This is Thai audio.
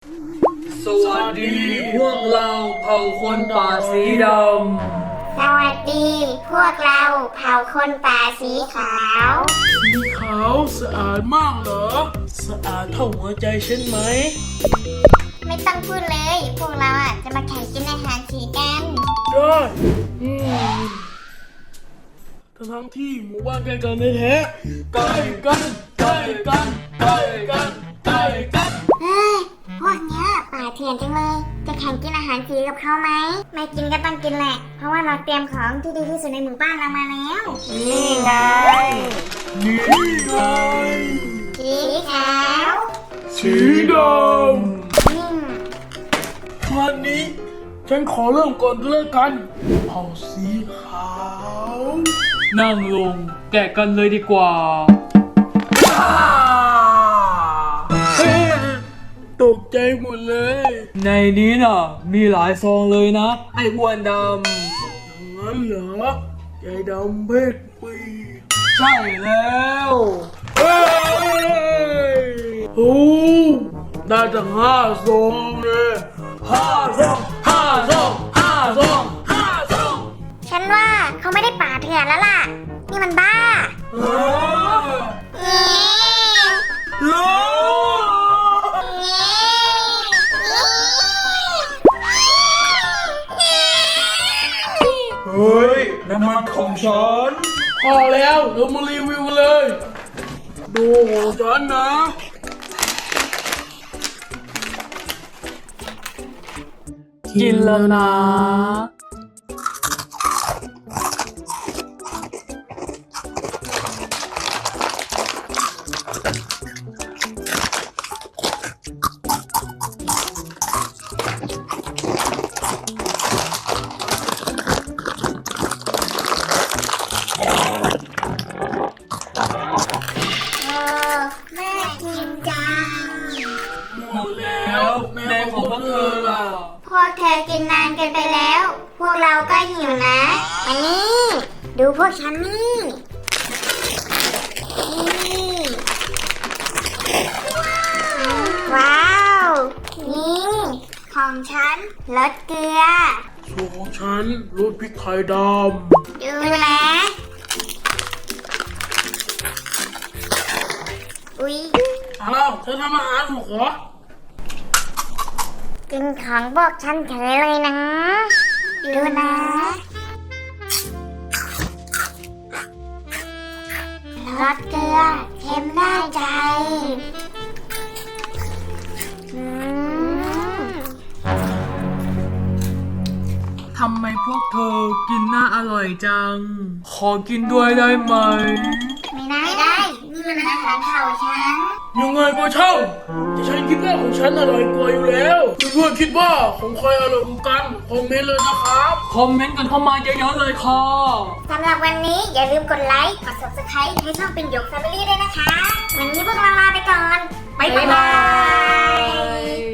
สวัสดีพวกเราเผ่าคนป่าสีดำสวัสดีพวกเราเผ่าคนป่าสีขาวสีขาวสะอาดมากเหรอสะอาดเท่าหัวใจฉันไหมไม่ต้องพูดเลยพวกเราจะมาแข่งกินอาหารสีกันได้ทั้งที่หมู่บ้านใกล้กันแท้ๆใกล้กันใกล้กันใกล้กันใกล้กันเฮ้ยพวกเนี้ยป่าเถื่อนจังเลยจะแข่งกินอาหารสีกับเขาไหมไม่กินก็ต้องกินแหละเพราะว่าเราเตรียมของที่ดีที่สุดในหมู่บ้านเรามาแล้วนี่ไงนี่ไงสีขาวสีดำวันนี้ฉันขอเริ่มก่อนก็แล้วกันเผ่าสีขาวนั่งลงแกะกันเลยดีกว่าตกใจหมดเลยในนี้น่ะมีหลายซองเลยนะ ไอ้อ้วนดอย่างนั้นเหรอใจดำเพชรปีำใช่แล้วเฮ้ยโอ้ได้ตั้ง5 ซองเลย5 ซอง5 ซอง5 ซอง5 ซองฉันว่าเขาไม่ได้ป่าเถื่อนแล้วล่ะนี่มันบ้ารู้ เฮ้ยน้ำมันของฉันพอแล้วเรามารีวิวกันเลย ดูของฉันนะกินแล้วนะแม่กินจังหมดแล้วแม่ของพวกเธอล่ะพวกเธอกินนานเกินไปแล้ว พวกเราก็หิวนะอันนี้ดูพวกฉันนี่ว้าว นี่ของฉันรสเกลือส่วนของฉันรสพริกไทยดดูนะอุ๊ยำอ้าวเธอทำอาหารถูกเหรอกินของพวกฉันเฉยเลยนะดูนะรสเกลือเค็มได้ใจอืมทำไมพวกเธอกินน่าอร่อยจัง ขอกินด้วยได้ไหมไม่ได้ นี่มันอาหารเผ่าฉันยังไงก็ช่างแต่ฉันคิดว่าของฉันอร่อยกว่าอยู่แล้วเพื่อนๆคิดว่าของใครอร่อยกว่ากันคอมเมนต์เลยนะครับคอมเมนต์กันเข้ามาเยอะๆเลยค่ะสำหรับวันนี้อย่าลืมกดไลค์ กด subscribe ให้ช่องเป็นหยก Family ด้วยนะคะ วันนี้พวกเราลาไปก่อน บ๊ายบาย